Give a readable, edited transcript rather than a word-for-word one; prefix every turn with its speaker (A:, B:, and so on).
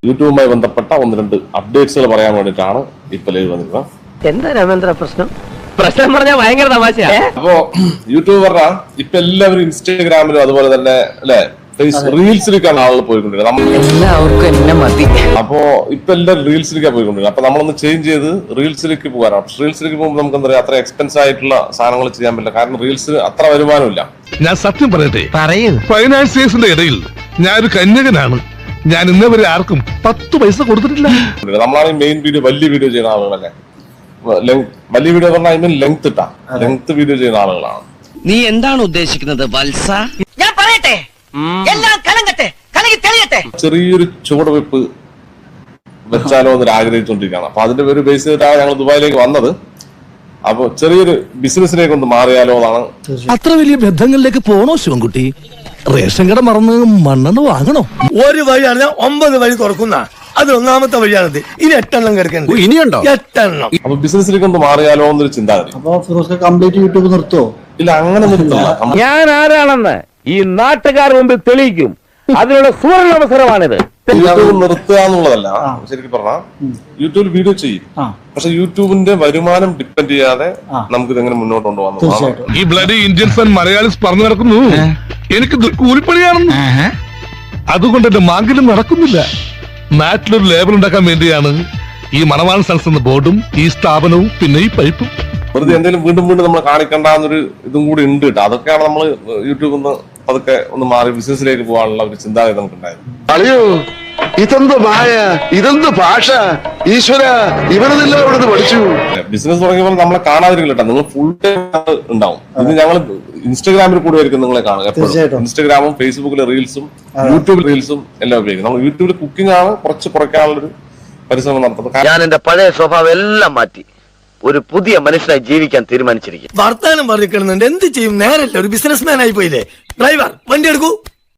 A: യൂട്യൂബുമായി ബന്ധപ്പെട്ട 1-2 അപ്ഡേറ്റ്സുകൾ പറയാൻ വേണ്ടിയിട്ടാണ് ഇപ്പൊ ലൈവ് വന്നിരുന്നത്.
B: എന്താ രാമേന്ദ്ര പ്രശ്നം? പ്രശ്നം പറഞ്ഞാൽ ഭയങ്കര തമാശയാ.
A: അപ്പോ യൂട്യൂബ് പറഞ്ഞാൽ ഇപ്പൊ എല്ലാവരും ഇൻസ്റ്റാഗ്രാമിലും അതുപോലെ തന്നെ അല്ലെ റീൽസിലേക്കാണ് ആളുകൾ പോയിക്കൊണ്ടിരുന്നത്.
B: എല്ലാവർക്കും എന്നെ മതി.
A: അപ്പോ ഇപ്പൊ എല്ലാവരും റീൽസിലേക്കാണ് പോയിക്കൊണ്ടിരുന്നത്. അപ്പൊ നമ്മളൊന്ന് ചേഞ്ച് ചെയ്ത് റീൽസിലേക്ക് പോകാനാണ്. റീൽസിലേക്ക് പോകുമ്പോൾ നമുക്ക് എന്താ പറയാ, അത്ര എക്സ്പെൻസ് ആയിട്ടുള്ള സാധനങ്ങൾ ചെയ്യാൻ പറ്റില്ല. കാരണം റീൽസ് അത്ര വരുമാനമില്ല.
C: ഞാൻ സത്യം പറയട്ടെ, ഫൈനാൻസിയേഴ്സിന്റെ ഇടയിൽ ഞാനൊരു കന്യകനാണ്. ഞാൻ ഇന്നേവരെ ആർക്കും 10 പൈസ കൊടുത്തിട്ടില്ല.
A: നമ്മളാണ് മെയിൻ വീഡിയോ, വലിയ വീഡിയോ ചെയ്യുന്ന ആളുകളല്ലേ. വലിയ വീഡിയോ പറഞ്ഞാൽ ഐ മീൻ ലെങ്ത് വീഡിയോ ചെയ്യുന്ന ആളുകളാണ്.
D: നീ എന്താണ് ഉദ്ദേശിക്കുന്നത് വത്സ?
B: ഞാൻ പറയട്ടെ, എല്ലാം കലങ്ങട്ടെ, കലങ്ങി തെളിയട്ടെ.
A: ചെറിയൊരു ചുവടുവെപ്പ് വെച്ചാലോ എന്ന് ആഗ്രഹിച്ചുകൊണ്ടിരിക്കുകയാണ്. അപ്പൊ അതിന്റെ ഒരു ബേസ് ചെയ്തിട്ടാണ് ഞങ്ങൾ ദുബായിലേക്ക് വന്നത്. അപ്പൊ ചെറിയൊരു ബിസിനസ്സിലേക്ക് ഒന്ന് മാറിയാലോ എന്നാണ്.
C: അത്ര വലിയ ബന്ധങ്ങളിലേക്ക് പോണോ ശിവൻകുട്ടി? റേഷൻ കട മറന്ന് മണ്ണെണ്ണ വാങ്ങണോ?
E: ഒരു വഴിയാണ് 9 വഴി തുറക്കുന്ന, അത് 1ാമത്തെ വഴിയാണത്. ഇനി 8 എണ്ണം കിടക്കുന്നുണ്ട്.
C: ഇനിയുണ്ടോ?
E: 8 എണ്ണം.
A: അപ്പൊ ബിസിനസ്സിലേക്ക് ഒന്ന് മാറിയാലോ എന്നൊരു ചിന്താഗതി.
F: അപ്പൊ ഫിറോസ് കംപ്ലീറ്റ് യൂട്യൂബ് നിർത്തുവോ?
A: ഇല്ല, അങ്ങനെ നിർത്തില്ല.
B: ഞാൻ ആരാണെന്ന് ഈ നാട്ടുകാർ മുമ്പിൽ തെളിയിക്കും. അതിനുള്ള സുവർണാവസരമാണിത്.
A: യൂട്യൂബ് നിർത്തുക എന്നുള്ളതല്ല ശരിക്കും പറഞ്ഞാൽ. യൂട്യൂബിൽ വീഡിയോ ചെയ്യും, പക്ഷെ യൂട്യൂബിന്റെ വരുമാനം ഡിപ്പെൻഡ് ചെയ്യാതെ നമുക്ക് ഇതെങ്ങനെ മുന്നോട്ട് കൊണ്ടുപോകാൻ.
C: ഈ ബ്ലഡി ഇന്ത്യൻസ് ആൻഡ് മലയാളീസ് പറഞ്ഞു നടക്കുന്നു എനിക്ക് കൂലിപ്പണിയാണെന്ന്. അതുകൊണ്ട് എന്റെ മാങ്കിലും നടക്കുന്നില്ല. നാട്ടിലൊരു ലേബൽ ഉണ്ടാക്കാൻ വേണ്ടിയാണ് ഈ മണവാളൻ സൺസ് എന്ന ബോർഡും ഈ സ്ഥാപനവും പിന്നെ ഈ പൈപ്പും.
A: വെറുതെ എന്തെങ്കിലും വീണ്ടും വീണ്ടും നമ്മൾ കാണിക്കണ്ടെന്നൊരു ഇതും കൂടി ഉണ്ട് കേട്ടോ. അതൊക്കെയാണ് നമ്മൾ യൂട്യൂബിൽ നിന്ന് അതൊക്കെ ഒന്ന് മാറി ബിസിനസ്സിലേക്ക് പോകാനുള്ള ഒരു ചിന്താഗതി നമുക്കുണ്ടായിരുന്നു.
G: അളിയോ, ഇതെന്ത് മായ, ഇതെന്ത് ഭാഷ, ഈശ്വര, ഇവരെല്ലാം ഇവിടെ പഠിച്ചു.
A: ബിസിനസ് തുടങ്ങിയപ്പോൾ നമ്മളെ കാണാതിരിക്കില്ല കേട്ടോ. നിങ്ങൾ ഫുൾ ടൈം ഉണ്ടാവും. ഇത് ഞങ്ങൾ ഇൻസ്റ്റാഗ്രാമിൽ കൂടെ ആയിരിക്കും നിങ്ങളെ കാണുക എപ്പോഴും. ഇൻസ്റ്റാഗ്രാമും ഫേസ്ബുക്കിലെ റീൽസും യൂട്യൂബിൽ റീൽസും എല്ലാം ഉപയോഗിക്കും. നമ്മൾ യൂട്യൂബിൽ കുക്കിംഗ് ആണ് കുറച്ച് കുറയ്ക്കാനുള്ളൊരു പരിശ്രമം നടത്തുന്നത്.
D: ഞാൻ എന്റെ പഴയ സ്വഭാവം എല്ലാം മാറ്റി ഒരു പുതിയ മനുഷ്യനായി ജീവിക്കാൻ തീരുമാനിച്ചിരിക്കും.
E: വർത്താനം പറഞ്ഞിരിക്കുന്നുണ്ട്. എന്ത് ചെയ്യും? നേരല്ല, ഒരു ബിസിനസ് മാൻ ആയി പോയില്ലേ. ഡ്രൈവർ, വണ്ടി എടുക്കൂ.